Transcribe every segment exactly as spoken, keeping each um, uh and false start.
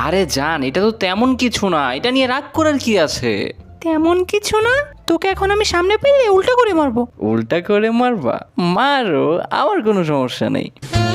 আরে জান, এটা তো তেমন কিছু না, এটা নিয়ে রাগ করার কি আছে? তেমন কিছু না, তোকে এখন আমি সামনে পেলে উল্টা করে মারবো। উল্টা করে মারবা? মারো, আমার কোনো সমস্যা নেই।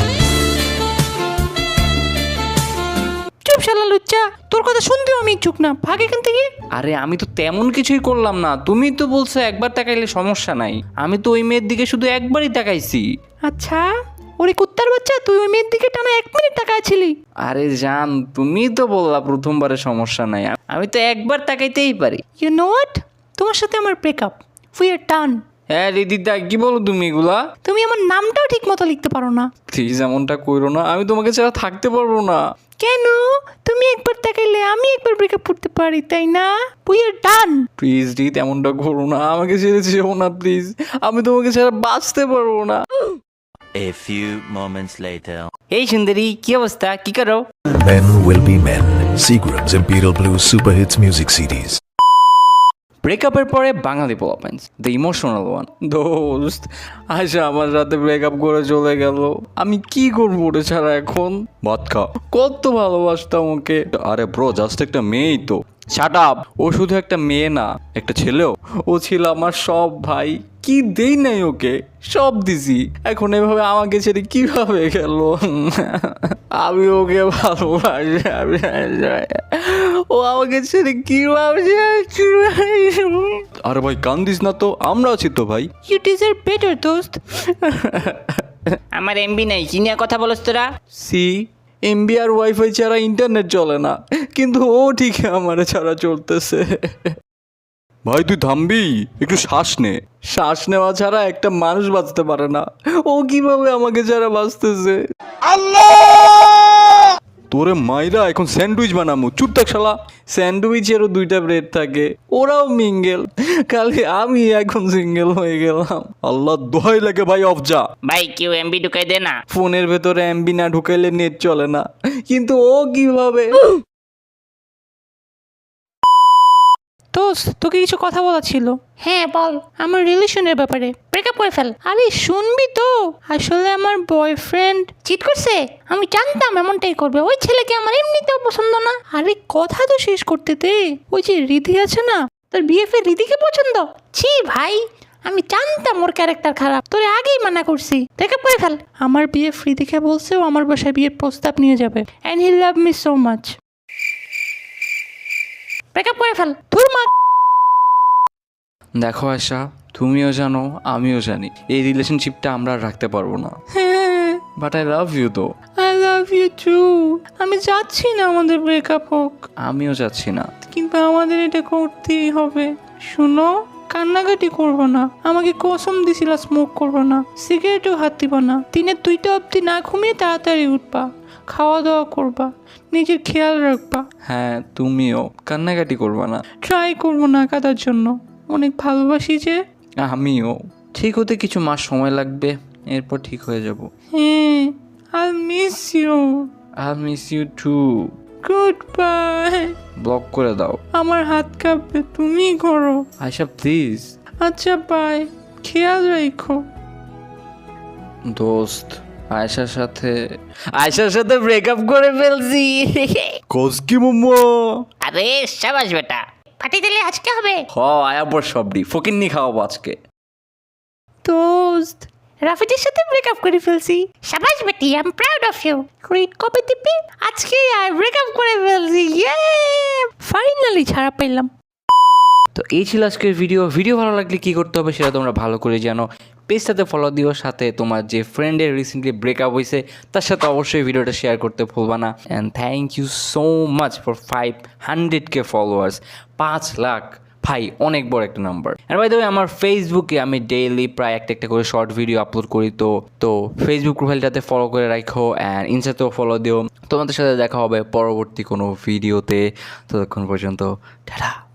চুপ শালা লুচ্চা, তোর কথা শুনতেও আমি ইচ্ছুক না, ভাগ এখান থেকে। আরে আমি তো তেমন কিছুই করলাম না, তুমি তো বলছো একবার তাকাইলে সমস্যা নাই। আমি তো ওই মেয়ের দিকে শুধু একবারই তাকাইছি। আচ্ছা, ওরে কুত্তার বাচ্চা, তুই ওই মেয়ের দিকে টানা এক মিনিট তাকাইছিলি। আরে জান, তুমি তো বললা প্রথমবারে সমস্যা নাই, আমি তো একবার তাকাইতেই পারি। ইউ নো হোয়াট, তোমার সাথে আমার ব্রেকআপ, উই আর ডান। হ্যাঁ রিদিতা, কি বলো তুমি এগুলা? তুমি আমার নামটাও ঠিক মতো লিখতে পারো না। প্লিজ এমনটা কইরো না, আমি তোমাকে ছাড়া থাকতে পারবো না। কেন? তুমি একবার তাকাইলে আমি একবার ব্রেকআপ করতে পারি, তাই না? We are done. প্লিজ রিত, এমনটা করো না, আমাকে ছেড়ে যেও না প্লিজ, আমি তোমাকে ছাড়া বাঁচতে পারবো না। A few moments later. এই সুন্দরী, কি অবস্থা, কি করো? Men Will Be Men, Seagram's Imperial Blues Super Hits Music CDs. ব্রেকআপের পরে বাঙালি পোলাপেন্স, দ্য ইমোশনাল ওয়ান। দোস্ত, আশা আমার রাতে ব্রেকআপ করে চলে গেল, আমি কি করবো ওটা ছাড়া এখন? ভাত খা, কত ভালোবাসতাম ওকে। আরে ব্রো, জাস্ট একটা মেয়েই তো। শাট আপ, ও শুধু একটা মেয়ে না, একটা ছেলেও। ও ছিল আমার সব ভাই, কি দেই নাই ওকে, সব দিছি। এখন এভাবে আমাকে ছেড়ে কিভাবে গেল? আমি ওকে ভালোবাসি, ও আমাকে ছেড়ে কিভাবে? আরে ভাই কান্দিস না তো, আমরা আছি তো ভাই। ইউ ডিজার্ভ বেটার দোস্ত। আমার এমবি নাই, কি নিয়ে কথা বলছ তোরা? সি, এমবি আর ওয়াইফাই ছাড়া ইন্টারনেট চলে না, কিন্তু ও ঠিক আমার ছাড়া চলতেছে। ভাই তুই থামবি, একটু শ্বাস নে। শ্বাস নেওয়া ছাড়া একটা মানুষ বাঁচতে পারে না, ও কিভাবে আমাকে ছাড়া বাঁচতেছে? আল্লাহ! তোরে মাইরা এখন স্যান্ডউইচ বানামু, চুপ থাক শালা। স্যান্ডউইচেরও দুইটা ব্রেড থাকে, ওরাও মিঙ্গেল, খালি আমি এখন সিঙ্গেল হয়ে গেলাম। আল্লাহ দোহাই লাগে ভাই, অফ যা। ভাই কেউ এমবি ঢুকাই দে না। ফোনের ভেতরে এমবি না ঢুকাইলে নেট চলে না, কিন্তু ও কিভাবে? দোস্ত, তোকে কিছু কথা বলা ছিল। হ্যাঁ বল। আমার রিলেশনের ব্যাপারে। ব্রেকআপ করে ফেল। আরে শুনবি তো, আসলে আমার বয়ফ্রেন্ড চিট করছে, আমি জানতাম এমনটাই করবে। ওই ছেলেকে আমার এমনিতেও পছন্দ না। আরে কথা তো শেষ করতে দে। ওই যে রিধি আছে না, তার বিএফ এর রিধিকে পছন্দ। ছি ভাই, আমি জানতাম ওর ক্যারেক্টার খারাপ, তোরে আগেই মানা করছি। ব্রেকআপ করে ফেল। আমার বিএফ রিধিকে বলছে ও আমার বাসায় বিয়ের প্রস্তাব নিয়ে যাবে, and he love me so much. Breakup করে ফেল। তোর মা। দেখো আশা, তুমিও জানো আমিও জানি এই রিলেশনশিপটা আমরা আর রাখতে পারবো না, হ্যাঁ, বাট আই লাভ ইউ তো। I love you too. আমি চাচ্ছি না আমাদের ব্রেকআপ হোক, আমিও যাচ্ছি না। কিন্তু আমাদের এটা করতেই হবে। শুনো, কান্নাকাটি করবো না, আমাকে কসম দিছিলা স্মোক করবো না, সিগারেটও হাত দিবা না, দিনে দুইটা অবধি না ঘুমিয়ে তাড়াতাড়ি উঠবা, খাওয়া দাওয়া করবা, নিজের খেয়াল রাখবা। হ্যাঁ, তুমিও কান্নাকাটি করবে না। ট্রাই করবো না কাটার জন্য, অনেক ভালোবাসি যে। আমিও। ঠিক হতে কিছু মাস সময় লাগবে, এরপর ঠিক হয়ে যাব। হ্যাঁ, I miss you. I miss you too. Good bye. Block করে দাও। আমার হাত কাঁপবে, তুমি করো। আয়শা প্লিজ। আচ্ছা বাই, খেয়াল রাখো। দোস্ত, আয়শার সাথে আয়শার সাথে ব্রেকআপ করে ফেলছি। কসকি মোমো। আরে সাবাস বেটা, পার্টি দিলে আজকে হবে। হ, আয়াপর সবডি ফকিন্নি খাওয়াবো আজকে। দোস্ত, রাফিদের সাথে ব্রেকআপ করে ফেলছি। সাবাস বেটি, I am proud of you. ক্রিট কপি দিবি? আজকে আর ব্রেকআপ করে ফেলছি, ইয়ে! ফাইনালি ছাড়া পেলাম। তো এই ছিল আজকের ভিডিও। ভিডিও ভালো লাগলে কি করতে হবে সেটা তোমরা ভালো করে জানো। পেজটাতে ফলো দিও, সাথে তোমার যে ফ্রেন্ডের রিসেন্টলি ব্রেকআপ হয়েছে তার সাথে অবশ্যই ভিডিওটা শেয়ার করতে ভুলবা না। And thank you so much for five hundred K followers. পাঁচ লাখ ভাই, অনেক বড় একটা নাম্বার। আর বাই দ্য ওয়ে, আমার ফেসবুকে আমি ডেইলি প্রায় একটা একটা করে শর্ট ভিডিও আপলোড করি, তো তো ফেসবুক প্রোফাইলটাতে ফলো করে রাখো, অ্যান্ড ইনস্টাতেও ফলো দিও। তোমাদের সাথে দেখা হবে পরবর্তী কোনো ভিডিওতে। ততক্ষণ পর্যন্ত টাটা।